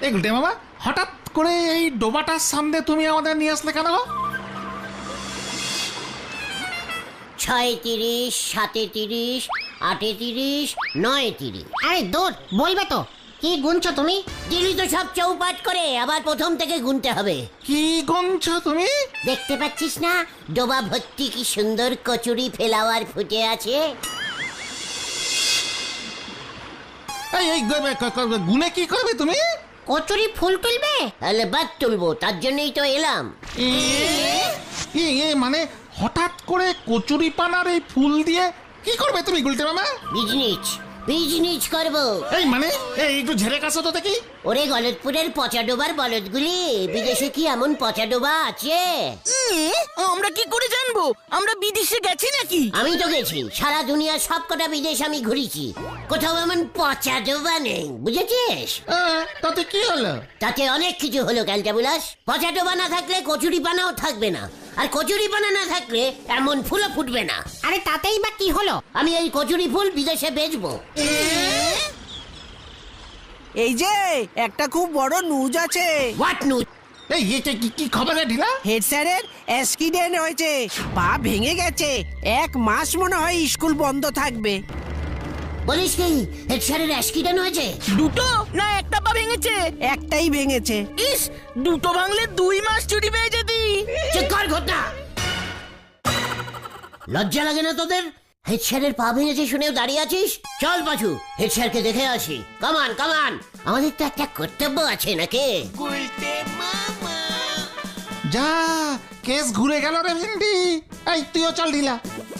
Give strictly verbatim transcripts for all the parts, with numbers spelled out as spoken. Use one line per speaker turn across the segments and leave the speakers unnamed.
এই গুলটে মামা হঠাৎ করে এই ডোবাটার সামনে তুমি আমাদের নিয়ে আসলে কেন?
ছয় তিরিশ, সাতে তিরিশ, আটে তিরিশ, নয় তিরিশ।
আরে দূর বলবে তো কি গুনছো তুমি?
দিলি তো সব চৌপাট করে, আবার প্রথম থেকে গুনতে হবে।
কি গুনছো তুমি?
দেখতে পাচ্ছিস না ডোবা ভর্তি কি সুন্দর কচুরি ফ্লাওয়ার ফুটে আছে।
এই এই গুনে কি করবে তুমি?
কচুরি ফুল তুলবে?
তাহলে বাদ তুলবো, তার জন্যই তো এলাম।
এ এ মানে হঠাৎ করে কচুরি পানার এই ফুল দিয়ে কি করবে তুমি গুলটে মামা?
বিজনেস বিজনেস করবো।
এই মানে এই একটু ঝেড়ে কাছো তো দেখি।
ওরে গলতপুরের পচা ডোবার বলদগুলি, বিদেশে কি এমন পচা ডোবা আছে?
আমরা কি করে জানবো? আমরা বিদেশে গেছি নাকি?
আমি তো গেছি, সারা দুনিয়ার সব কটা বিদেশ আমি ঘুরেছি, কোথাও এমন পচা ডোবা নেই, বুঝেছিস?
আহ, তাতে কি হলো?
তাতে অনেক কিছু হলো ক্যালটাবুলাস। পচা ডোবা না থাকলে কচুরি পানাও থাকবে না, আর কচুরি পানা না থাকলে এমন ফুলও ফুটবে না।
আরে তাতেই বা কি হলো?
আমি এই কচুরি ফুল বিদেশে বেচবো।
এই যে একটা খুব বড় নিউজ আছে।
What news?
এই এটা কি কি খবর রে ঢিলা?
হেড স্যারের অ্যাক্সিডেন্ট হয়েছে, পা ভেঙে গেছে, এক মাস মনে হয় স্কুল বন্ধ থাকবে।
বলিস কি হেড স্যারের অ্যাক্সিডেন্ট হয়েছে?
দুটো না একটা পা ভেঙেছে? একটাই ভেঙেছে। ইস, দুটো ভাঙলে দুই মাস ছুটি পেয়ে যেতি।
চেক কর ঘটনা। লজ্জা লাগে না তোদের? হেড স্যারের পা ভেঙেছে শুনেও দাঁড়িয়ে আছিস? চল পাছু, হেড স্যারকে দেখে আসি। কামান কামান, আমাদের তো একটা কর্তব্য আছে নাকি?
যা কেস ঘুরে গেল রে ভিন্ডি। এই তুইও চল ঢিলা।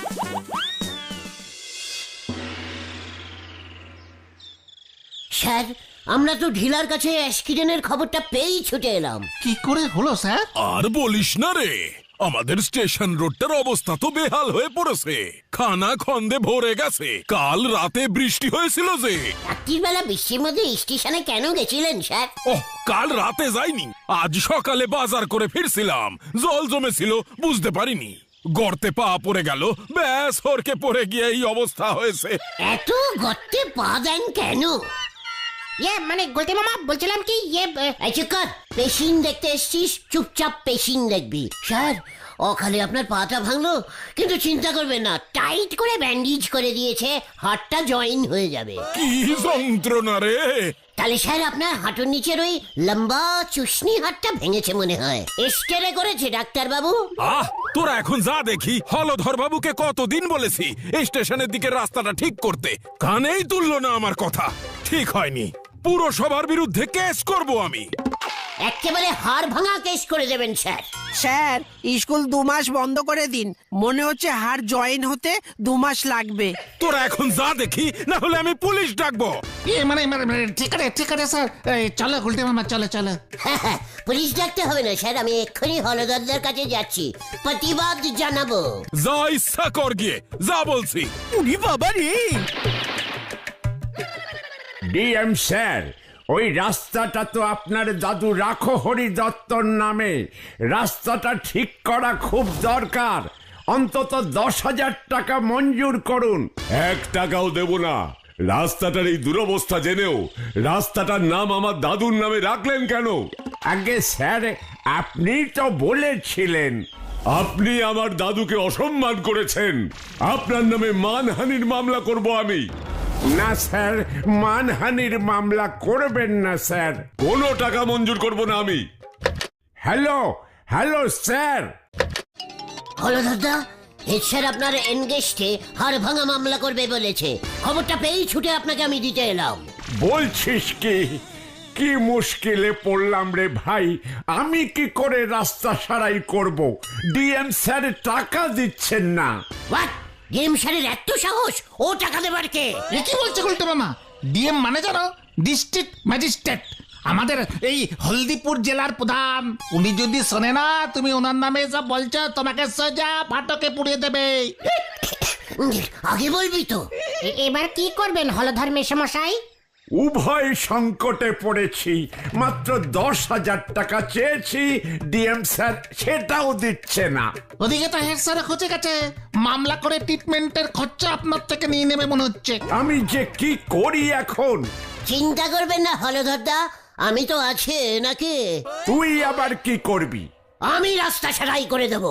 স্যার, আমরা তো ঢিলার কাছে অ্যাক্সিডেন্টের খবরটা পেয়েই ছুটে এলাম।
কি করে হলো স্যার?
আর বলিস না রে, আমাদের স্টেশন রোডটার অবস্থা তো বেহাল হয়ে পড়েছে, খানা খন্দে ভরে গেছে। কাল রাতে বৃষ্টি হয়েছিল যে।
রাত্রির বেলা বৃষ্টির মধ্যে স্টেশনে কেন গেছিলেন স্যার?
ওহ, কাল রাতে যাইনি, আজ সকালে বাজার করে ফিরছিলাম, জল জমেছিল বুঝতে পারিনি, গর্তে পা পড়ে গেল, ব্যাস হরকে পড়ে গিয়ে এই অবস্থা হয়েছে।
এত গর্তে পা দেন কেন?
ইয়ে মানে গুলটে মামা বলছিলাম কি ইয়ে
এই চুপ কর, পেশিন দেখতে এসছিস, চুপচাপ পেশিন দেখবি। স্যার, অকালে আপনার পাটা ভাঙলো, কিন্তু চিন্তা করবেন না, টাইট করে ব্যান্ডেজ করে দিয়েছে, হাড়টা জয়েন হয়ে যাবে।
কি যন্ত্রণা রে!
তাহলে স্যার আপনার হাঁটুর নিচের ওই লম্বা চুষনি হাড়টা ভেঙেছে মনে হয়। এক্সরে করেছে ডাক্তার বাবু?
আহ, তোরা এখন যা দেখি। হলধর বাবুকে কতদিন বলেছি এই স্টেশনের দিকে রাস্তাটা ঠিক করতে, কানেই তুললো না আমার কথা। ঠিক হয়নি, পুরসভার বিরুদ্ধে কেস করব আমি।
একেবারে হাড় ভাঙা কেস করে দেবেন স্যার।
স্যার, স্কুল দু মাস বন্ধ করে দিন, মনে হচ্ছে হাড় জয়েন হতে দু মাস লাগবে।
তোরা এখন যা দেখি, না হলে আমি পুলিশ ডাকবো।
এ মানে মানে মানে, ঠিক আছে ঠিক আছে স্যার, এই চলো গুলটে মামা চলো চলো।
হ্যাঁ হ্যাঁ, পুলিশ ডাকতে হবে না স্যার, আমি এক্ষুনি হলদরদের কাছে যাচ্ছি, প্রতিবাদ জানাবো।
যা ইচ্ছা কর গিয়ে, যা বলছি।
উনি বাবা রে!
ডিএম স্যার, ওই রাস্তাটা তো আপনার দাদু রাখো হরি দত্তর নামে, রাস্তাটা ঠিক করা খুব দরকার, অন্তত দশ হাজার টাকা মঞ্জুর করুন।
এক টাকাও দেব না। রাস্তাটার এই দুরবস্থা জেনেও রাস্তাটার নাম আমার দাদুর নামে রাখলেন কেন?
আগে স্যার, আপনি তো বলেছিলেন।
আপনি আমার দাদুকে অসম্মান করেছেন, আপনার নামে মানহানির মামলা করব আমি।
না স্যার, মানহানির মামলা করবেন না স্যার।
কোনো টাকা মঞ্জুর করব না আমি।
Hello hello sir.
হলদরদা, হেড স্যার আপনার এনগেস্টে হাড় ভাঙা মামলা করবে বলেছে, খবরটা পেয়েই ছুটে আপনাকে আমি দিতে এলাম।
বলছিস কি? কি মুশকিলে পড়লাম রে ভাই, আমি কি করে রাস্তা সারাই করব? ডিএম স্যার টাকা দিচ্ছেন না।
হোয়াট? ডিএম স্যারের এত সাহস, ও টাকা দেবার কে?
এ কি বলছে গুলটে মামা? ডিএম মানে জানো? ডিস্ট্রিক্ট ম্যাজিস্ট্রেট, আমাদের এই হলদিপুর জেলার প্রধান। উনি যদি শোনে না তুমি ওনার নামে যা বলছো, তোমাকে সোজা ফাটকে পুড়িয়ে দেবে।
আগে বলবি তো।
এ- এবার কি করবেন হলধর মেশামশাই?
উভয় সংকটে পড়েছি, মাত্র দশ হাজার টাকা চেয়েছি, ডিএম স্যার সেটাও দিচ্ছে না।
ওদিকে তো হেড স্যার খোঁজে গেছে, মামলা করে ট্রিটমেন্টের খরচা আপনার থেকে নিয়ে নেবে মনে হচ্ছে।
আমি যে কি করি এখন?
চিন্তা করবেন না হলধরদা, আমি তো আছে নাকি?
তুই আবার কি করবি?
আমি রাস্তা সারাই করে দেব,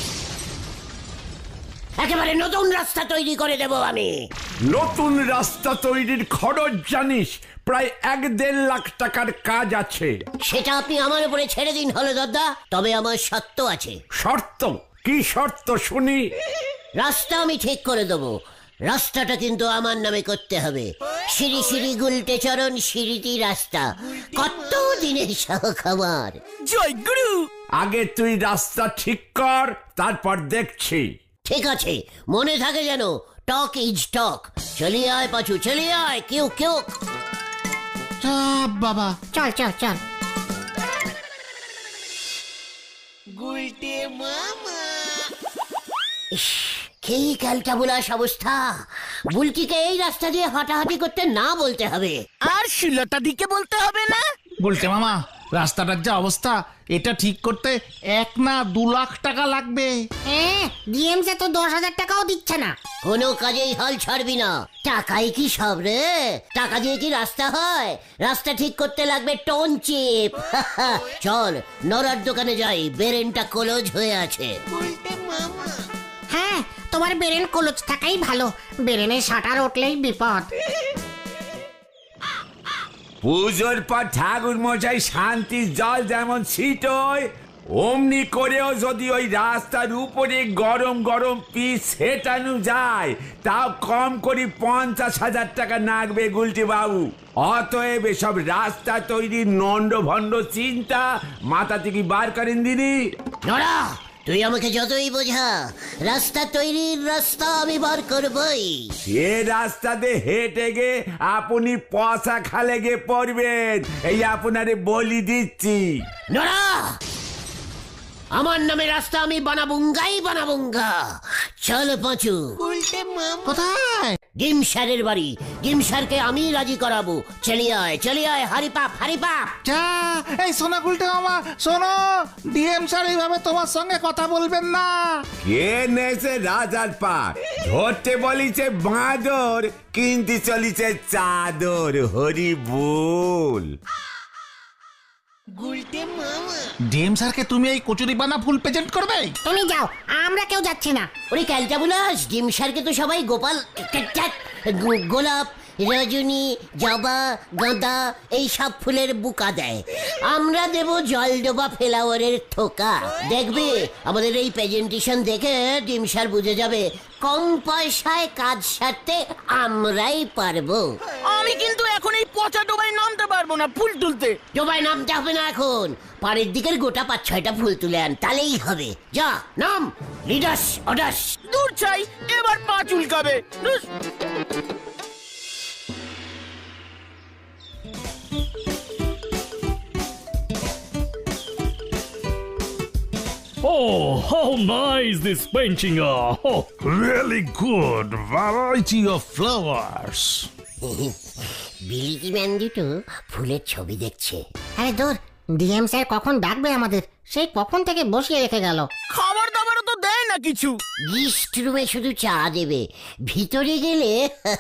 একেবারে নতুন রাস্তা তৈরি করে দেব আমি।
নতুন রাস্তা তৈরির খরচ জানিস? প্রায় এক দেড় লাখ টাকার কাজ আছে।
সেটা আপনি আমার উপরে ছেড়ে দিন হলো দাদা, তবে আমার শর্ত আছে।
শর্ত? কি শর্ত শুনি?
রাস্তা আমি ঠিক করে দেব, রাস্তাটা কিন্তু আমার নামে করতে হবে। সিঁড়ি সিঁড়ি গুলটে চরণ সিঁড়িটি রাস্তা, কত দিনের শখ আমার।
জয় গুরু।
আগে তুই রাস্তা ঠিক কর, তারপর দেখছি।
ঠিক আছে, মনে থাকে যেন, টক ইজ টক। চলিয়ে আয় পাচু, চলিয়ে আয়, কেউ কেউ।
চাপ বাবা।
চল চল চল।
ইস, কি ক্যালটাবুলাস অবস্থা। বুলটিকে এই রাস্তা দিয়ে হাঁটাহাঁটি করতে না বলতে হবে।
আর শিলতা দিকে বলতে হবে না।
বলতে মামা, রাস্তাটার যা অবস্থা, এটা ঠিক করতে এক না দু লাখ টাকা লাগবে।
হ্যাঁ, ডিএমসে তো দশ হাজার টাকাও দিচ্ছে না।
কোনো কাজেই হাল ছাড়বি না। টাকাই কি সব রে? টাকা দিয়ে কি রাস্তা হয়? রাস্তা ঠিক করতে লাগবে টোন চিপ। চল নরার দোকানে যাই, বেরেনটা কলজ হয়ে আছে।
হ্যাঁ, তোমার বেরেন কলচ থাকাই ভালো, বেরেনে শাটার উঠলেই বিপদ।
পুজোর পর ঠাকুর মশাই শান্তির জল যেমন ছিটোয়, অমনি করেও যদি ওই রাস্তার উপরে গরম গরম পিস সেটানো যায়, তাও কম করে পঞ্চাশ হাজার টাকা লাগবে গুলটি বাবু। অতএব এসব রাস্তা তৈরির নন্ড ভণ্ড চিন্তা মাথা থেকে বার করেন দিদি।
নরা, তুই আমাকে যতই বোঝা, রাস্তা তৈরির রাস্তা আমি বার করবই।
সে রাস্তাতে হেঁটে গে আপনি পয়সা খালে গে পড়বেন, এই আপনারে বলি দিচ্ছি।
নরা, আমার নামে রাস্তা আমি বানাবুঙ্গাই বানাবুঙ্গা। চল পাঁচু।
কোথায়?
ডিম স্যারের বাড়ি। ডিম স্যারকে আমি রাজি করাবো। চলিয়ে আয়, চলিয়ে আয়, হারি পাপ, হারি পাপ।
যা, এই শোনো গুলটে মামা, শোনো, ডিএম স্যার এইভাবে তোমার সঙ্গে কথা বলবেন না।
কে নেছে রাজার পা, ধরতে বলিছে বাঁদর, কিনতে চলিছে চাদর। হরি বল।
ডিএম স্যারকে তুমি এই কচুরি বানা ফুল প্রেজেন্ট করবে?
তুমি যাও, আমরা কেউ যাচ্ছি না।
ওরে ক্যালটাবুলাস, ডিম স্যারকে তো সবাই গোপাল, গো- গোলাপ, রজনী, জবা, গাঁদা এই সব ফুলের বুকা দেয়। আমরা দেব জলডোবা ফ্লাওয়ারের থোকা। দেখবে আমাদের এই প্রেজেন্টেশন দেখে ডিম স্যার বুঝে যাবে কম পয়সায় কাজ সারতে আমরাই পারবো।
আমি কিন্তু এখন এই পচা ডোবায় নামতে পারবো না ফুল তুলতে।
ডোবায় নামতে হবে না এখন, পাড়ের দিকের গোটা পাঁচ ছয়টা ফুল তুলে আন, তাহলেই হবে। যা নাম, লিডাস অডাস।
দূর চাই, এবার পা চুলকাবে। ধুস।
Oh, how nice this painting are! Oh,
Really good variety of flowers.
বিলিতি ম্যান দুটো ফুলের ছবি দেখছে।
আরে দূর, ডিএম স্যার কখন ডাকবে আমাদের? সেই কখন থেকে বসিয়ে রেখে গেল।
খাবার দাবারও তো দেয় না কিছু।
গিস্ট রুমে শুধু চা দেবে, ভিতরে গেলে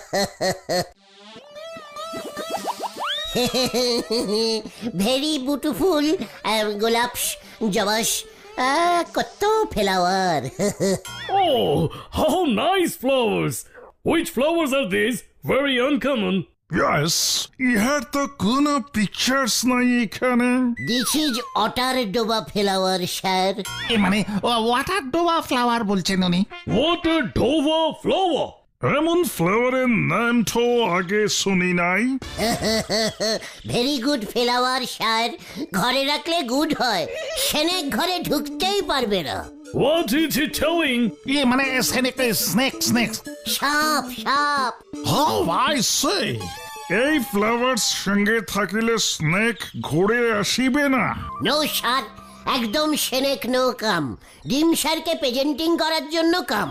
ভেরি বিউটিফুল গোলাপ, জবাস, কত flower.
oh, how nice flowers! Which flowers are these? Very uncommon.
Yes, ইহার তো কোনো পিকচার্স নাই এখানে।
দিস ইজ অটার ডোবা ফ্লাওয়ার স্যার।
এ মানে ওয়াটার ডোবা ফ্লাওয়ার বলছেন উনি।
What a Dover flower!
এমন ফ্লাওয়ারের নাম তো আগে শুনি নাই।
ভেরি গুড ফ্লাওয়ার স্যার, ঘরে রাখলে গুড হয়, সেনেক ঘরে ঢুকতেই পারবে না।
What is he telling?
এ মানে স্নেক স্নেক স্নেক।
সাপ সাপ।
How I say, এই ফ্লাওয়ার্স সঙ্গে থাকিলে স্নেক ঘুরে আসিবে না।
নো স্যার, একদম সেনেক নো কাম। ডিম স্যারকে প্রেজেন্টিং করার জন্য কাম।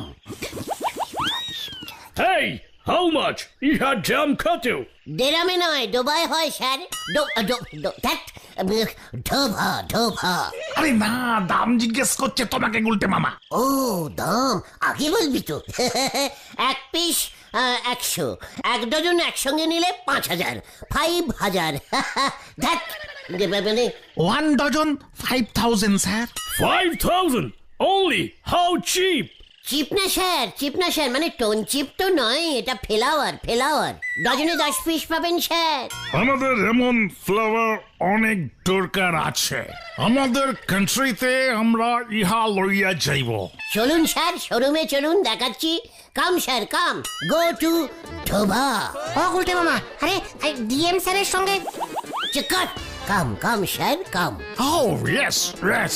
Hey, how much? He had jam cut you.
দেরামে নয়, ডোবায় হয় স্যার। ডো- ডো- ডো- ধ্যাৎ, ঢোভা ঢোভা।
আরে না, দাম জিজ্ঞেস করছে তোমাকে গুলটে মামা।
ও দাম আগে বলবি তো। এক পিস একশো, এক ডজন একসঙ্গে নিলে পাঁচ হাজার, ফাইভ হাজার। ধ্যাৎ, মানে
one dozen five thousand sir.
Five thousand only? How cheap?
Cheap না স্যার, চিপ না স্যার, মানে টোন চিপ তো নয়, এটা ফ্লাওয়ার ফ্লাওয়ার। ডজনে দশ পিস পাবেন স্যার।
আমাদের এমন ফ্লাওয়ার অনেক দরকার আছে, আমাদের কান্ট্রিতে আমরা ইহা লইয়া যাইব।
চলুন স্যার, শোরুমে চলুন, দেখাচ্ছি। কাম স্যার কাম, গো টু ঢোভা।
ও গুলটে মামা, আরে ডিএম স্যারের সঙ্গে
চিকট, come come sir come.
Oh, yes, yes.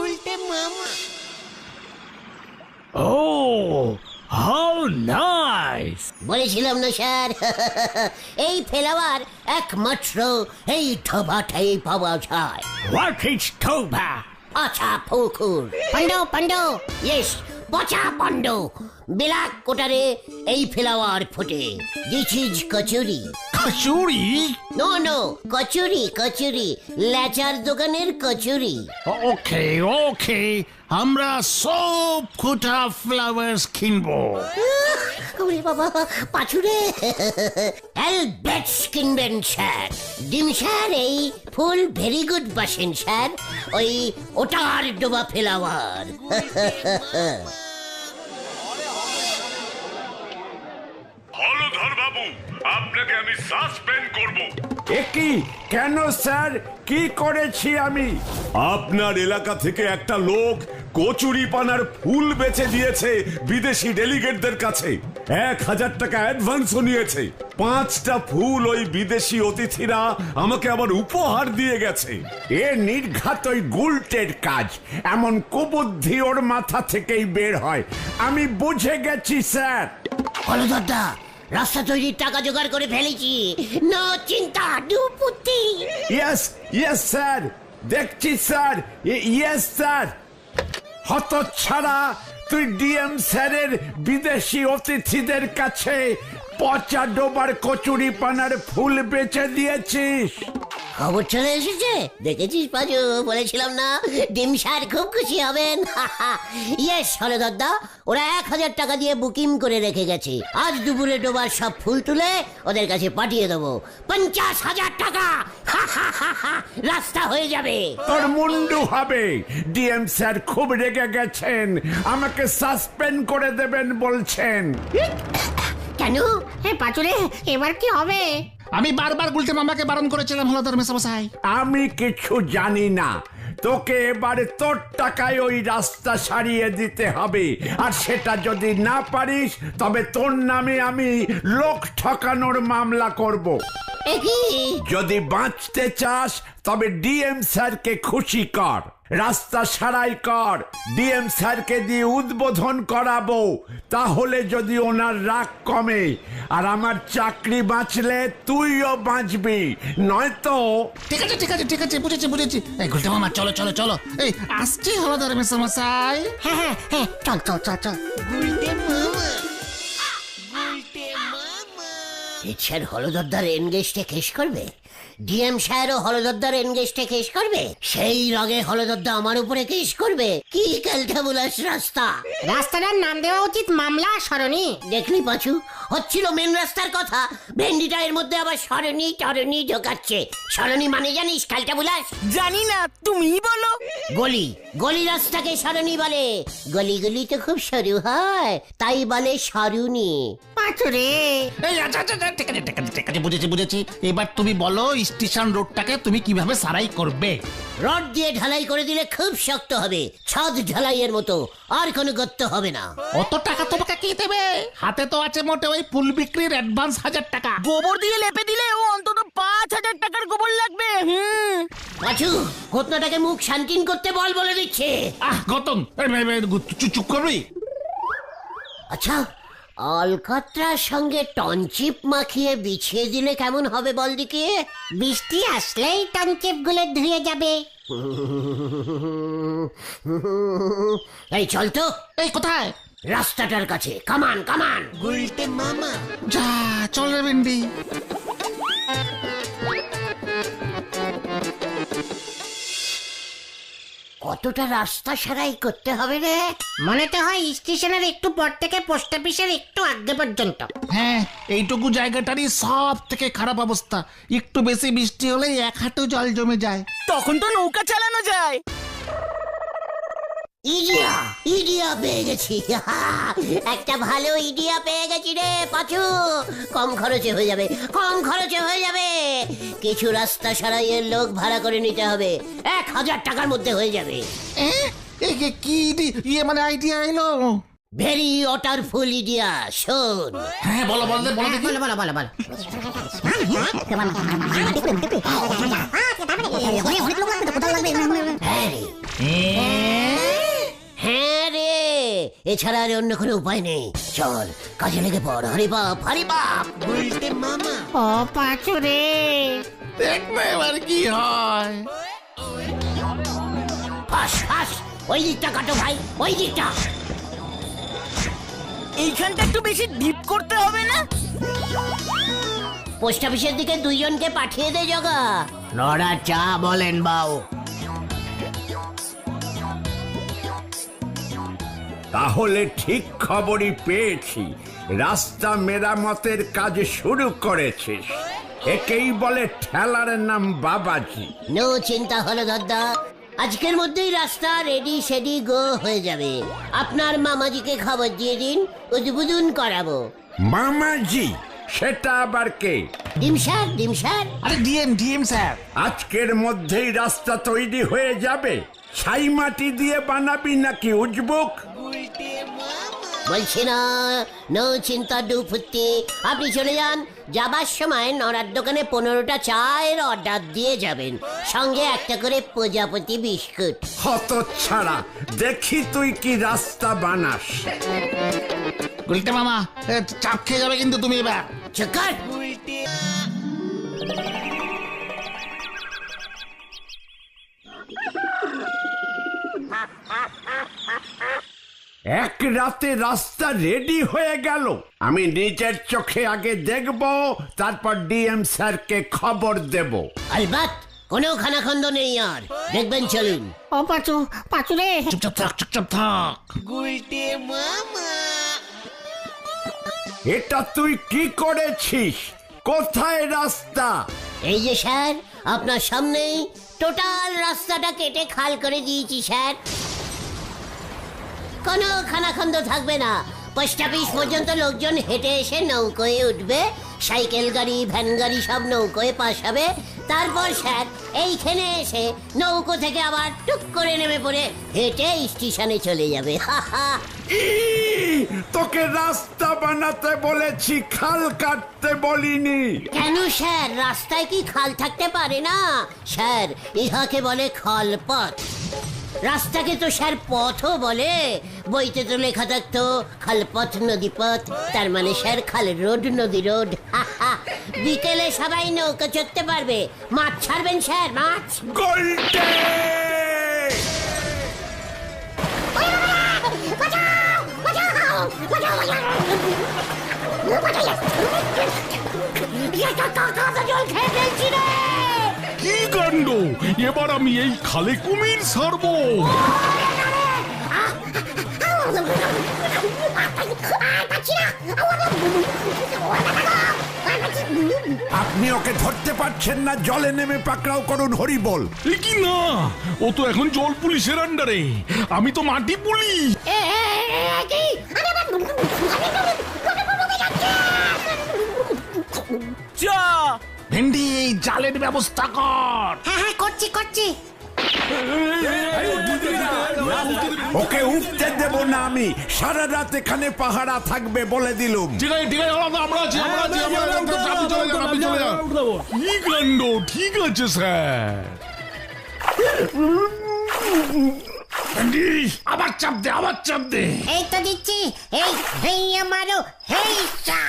Oh, how nice!
বলেছিলাম না স্যার, এই ফ্লাওয়ার একমাত্র এই ঢোভাটাই পাওয়া যায়।
What is Toba?
আচ্ছা পুকুর
পান্ড পান্ড
ইয়েস, পচা পণ্ড। বিলাক কোটারে এই ফ্লাওয়ার ফোটে। This is kachori.
Kachori?
No no, কচুরি কচুরি, লেচার দোকানের কচুরি।
ওকে ওকে, আমরা সব কোটা ফ্লাওয়ার্স কিনবো।
ওরে বাবা পাছুরে, অ্যালবেটস কিনবেন স্যার। ডিম স্যার এই ফুল ভেরি গুড বাসেন স্যার, ওই ওটার ডোবা ফ্লাওয়ার।
হলধর বাবু, আপনাকে আমি সাসপেন্ড করব।
একই কেন স্যার, কি করেছি আমি?
আপনার এলাকা থেকে একটা লোক কচুরি পানার ফুল বেচে দিয়েছে বিদেশি ডেলিগেটদের কাছে। এক হাজার টাকা অ্যাডভান্সও নিয়েছে। পাঁচটা ফুল ওই বিদেশি অতিথিরা আমাকে আবার উপহার দিয়ে গেছে।
এ নির্ঘাত ওই গুলটের কাজ, এমন কুবুদ্ধি ওর মাথা থেকেই বের হয়। আমি বুঝে গেছি স্যার।
হলদরদা, রাস্তা তৈরির টাকা জোগাড় করে ফেলেছি। নো চিন্তা, ডুপুতি।
ইয়েস ইয়েস স্যার, দেখছি স্যার, ইয়েস স্যার। হতচ্ছাড়া, তুই ডিএম স্যারের বিদেশি অতিথিদের কাছে পচা ডোবার কচুরি পানার ফুল বেচে দিয়েছিস।
খবর চলে এসেছে, দেখেছিস পাজু, বলেছিলাম না ডিম স্যার খুব খুশি হবেন। ইয়েস হলদরদা, ওরা এক হাজার টাকা দিয়ে বুকিং করে রেখে গেছে। আজ দুপুরে ডোবার সব ফুল তুলে ওদের কাছে পাঠিয়ে দেবো। পঞ্চাশ হাজার টাকা রাস্তা হয়ে যাবে।
তোর মুন্ডু হবে। ডিএম স্যার খুব রেগে গেছেন, আমাকে সাসপেন্ড করে দেবেন বলছেন।
কেন?
হে পাচুরে, এবার কি হবে?
আমি বারবার গুলটে মামাকে বারণ করেছিলাম হলধর মেসামশাই।
আমি কিছু জানি না, তোকে এবারে তোর টাকায় ওই রাস্তা সারিয়ে দিতে হবে। আর সেটা যদি না পারিস, তবে তোর নামে আমি লোক ঠকানোর মামলা করব। যদি বাঁচতে চাস, তবে ডিএম স্যারকে খুশি কর, রাস্তা সারাই কর, ডিএম স্যারকে দিয়ে উদ্বোধন করাবো। তাহলে যদি ওনার রাগ কমে, আর আমার চাকরি বাঁচলে তুইও বাঁচবি, নয়তো।
ঠিক আছে ঠিক আছে ঠিক আছে, বুঝেছি বুঝেছি। এই গুলটে মামা চলো চলো চলো, এই আসছি হলধর মেসামশাই।
হ্যাঁ হ্যাঁ হ্যাঁ, চল চল চল চল।
স্যার হলদরদার এনগেজটে কেস করবে, ডিএম স্যারও হলদরদার এনগেজটে কেস করবে, সেই রগে হলদরদা আমার উপরে কেস করবে। কি ক্যালটাবুলাস রাস্তা!
রাস্তাটার নাম দেওয়া উচিত মামলা সরণি।
দেখলি পাচু, হচ্ছিল মেন রাস্তার কথা, ভেন্ডিটা এর মধ্যে আবার সরণি টরণি ঢোকাচ্ছে। সরণি মানে জানিস ক্যালটাবুলাস?
জানি না, তুমিই বলো।
গলি, গলি রাস্তাকে সরণি বলে। গলিগুলি তো খুব সরু হয়, তাই বলে সরুনি।
পাচুরে,
এই আচ্ছা আচ্ছা আচ্ছা, ঠিক আছে ঠিক আছে ঠিক আছে, বুঝেছি বুঝেছি। এবার তুমি বলো স্টেশন রোডটাকে তুমি কিভাবে সারাই করবে?
রড দিয়ে ঢালাই করে দিলে খুব শক্ত হবে, ছাদ ঢালাইয়ের মতো, আর কোনো গর্ত হবে না।
অত টাকা তোমাকে কে দেবে? হাতে তো আছে মোটে ওই ফুল বিক্রির অ্যাডভান্স হাজার টাকা।
গোবর দিয়ে লেপে দিলে ও অন্তত পাঁচ হাজার টাকার গোবর লাগবে। হুম,
পাচু, ঘটনাটাকে মুখ শান্তিন করতে বল বলে দিচ্ছে।
আহ গতম, এই, এই, এই, চুপ চুপ করবি?
আচ্ছা, অলকাত্রার সঙ্গে টনচিপ মাখিয়ে বিছিয়ে দিলে কেমন হবে বল দিকে?
বৃষ্টি আসলেই টনচিপ গুলো ধুয়ে যাবে।
এই চল তো।
এই কোথায়?
রাস্তাটার কাছে, কামান কামান।
যা চল রে ভেন্ডি।
কতটা রাস্তা সারাই করতে হবে রে?
মনে তো হয় স্টেশনের একটু পর থেকে পোস্ট অফিসের একটু আগে পর্যন্ত।
হ্যাঁ, এইটুকু জায়গাটারই সব থেকে খারাপ অবস্থা। একটু বেশি বৃষ্টি হলেই এক হাঁটু জল জমে যায়।
তখন তো নৌকা চালানো যায়।
ইডিয়া ইডিয়া পেয়ে গেছি। একটা ভালো ইডিয়া পেয়ে গেছি রে পাচু। কম খরচে হয়ে যাবে, কম খরচে হয়ে যাবে। কিছু রাস্তা সারাইয়ের লোক ভাড়া করে নিতে হবে, এক হাজার টাকার মধ্যে হয়ে যাবে।
এ, এ, এ, কি ইডি- ইয়ে মানে আইডিয়া এলো?
ভেরি ওয়াটারফুল ইডিয়া, শোন।
হ্যাঁ, বলো বলো দে, বলো দেখি।
বলো বলো বলো বলো।
হ্যাঁ রে, হ্যাঁ রে, এছাড়া আর অন্য কোনো উপায় নেই। চল কাজে লেগে পড়। হরি বাপ, হরি বাপ। বলতে মামা।
ও পাঁচু রে,
দেখবে এবার কি হয়।
ফাঁস ফাঁস, ওই দিকটা কাটো ভাই, ওই দিকটা।
এইখানটা একটু বেশি ডিপ করতে হবে না?
পোস্ট অফিসের দিকে দুইজনকে পাঠিয়ে দে জগা। নড়া চা বলেন বাউ।
তাহলে ঠিক খবরই পেয়েছি, রাস্তা মেরামতের কাজ শুরু করেছিস। একেই বলে ঠেলার নাম বাবাজি।
নো চিন্তা হলো দাদা, আজকের মধ্যেই রাস্তা রেডি সেডি গো হয়ে যাবে। আপনার মামাজিকে খবর দিয়ে দিন, উদ্বোধন করাবো।
মামাজি? সেটা আবার কে?
ডিমসার ডিমসার।
আরে ডিএম ডিএম স্যার।
আজকের মধ্যেই রাস্তা তৈরি হয়ে যাবে? ছাই মাটি দিয়ে বানাবি নাকি উজবুক?
বলছি না, নো চিন্তা ডুফুতি। আপনি চলে যান, যাবার সময় নড়ার দোকানে পনেরোটা চায়ের অর্ডার দিয়ে যাবেন, সঙ্গে একটা করে প্রজাপতি বিস্কুট।
হত ছাড়া, দেখি তুই কি রাস্তা বানাস।
গুলটে মামা, এ, চাপ খেয়ে যাবে কিন্তু তুমি এবার।
চকার।
এক রাতে রাস্তা রেডি হয়ে গেল। আমি নিজের চোখে আগে দেখব, তারপর ডিএম স্যারকে খবর দেব।
আলবাত, কোনো খানাখন্দ নেই আর, দেখবেন চলুন।
ও পাঁচু, পাঁচু রে।
চুপচাপ থাক, চুপচাপ থাক।
এটা তুই কি করেছিস? কোথায় রাস্তা?
এই যে স্যার, আপনার সামনেই টোটাল রাস্তাটা কেটে খাল করে দিয়েছি স্যার। কোনো খানাখন্দ থাকবে না। পোস্ট অফিস পর্যন্ত লোকজন হেঁটে এসে নৌকোয় উঠবে, সাইকেল গাড়ি ভ্যান গাড়ি সব নৌকোয় পাশ হবে। তারপর স্যার এইখানে এসে নৌকো থেকে আবার টুক করে নেমে পড়ে হেঁটে স্টেশনে চলে যাবে। হা হা।
ই, তোকে রাস্তা বানাতে বলেছি, খাল কাটতে বলিনি।
কেন স্যার, রাস্তায় কি খাল থাকতে পারে না? স্যার, ইহাকে বলে খালপথ। রাস্তাকে তো স্যার পথও বলে। বইতে তো লেখা থাকতো খালপথ নদীপথ, তার মানে স্যার খাল রোড নদী রোড। বিকেলে সবাই নৌকা চড়তে পারবে। মাছ ছাড়বেন স্যার, মাছ।
গোল্ডে!
জল খেয়ে ফেলছি রে।
কি কাণ্ড! এবার আমি এই খালে কুমির ছাড়বো।
আপনি ওকে ধরতে পারছেন না, জলে নেমে পাকড়াও করুন, হরি বল।
এ কি না, ও তো এখন জল পুলিশের আন্ডারে, আমি তো মাটি পুলিশ।
চা
ভেন্ডি, এই জালের ব্যবস্থা কর।
হ্যাঁ হ্যাঁ, করছি করছি।
ওকে উঠতে দেব না আমি, সারা রাত এখানে পাহারা থাকবে বলে দিলুম।
ঠিক আছে, ঠিক আছে, আমরা আমরা আছি, আমরা আছি, আমরা আছি, আপনি চলে যান, আপনি চলে যান।
কি কাণ্ড! ঠিক আছে স্যার।
ভেন্ডি, আবার চাপ দে, আবার চাপ দে।
এই তো দিচ্ছি। এই হেই আমারও হেই চা।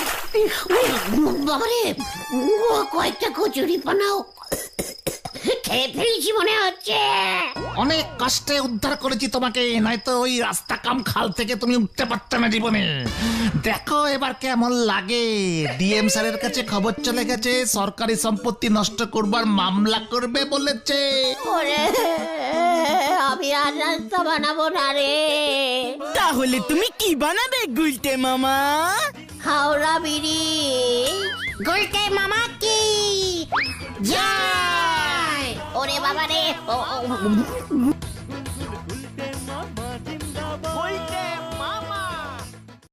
বাবারে, কয়েকটা কচুরি পানাও ছেড়ে ফেলেছি মনে হচ্ছে।
অনেক কষ্টে উদ্ধার করেছি তোমাকে, নয়তো ওই রাস্তা কাম খাল থেকে তুমি উঠতে পারতে না জীবনে। দেখো এবার কেমন লাগে। ডিএম স্যারের কাছে খবর চলে গেছে, সরকারি সম্পত্তি নষ্ট করবার মামলা করবে বলেছে।
ওরে আমি আর রাস্তা বানাবো না রে।
তাহলে তুমি কি বানাবে গুলটে মামা?
হাওড়া ব্রিজ।
গুলটে মামা কি
জয়। ওরে বাবা রে, ও, ও,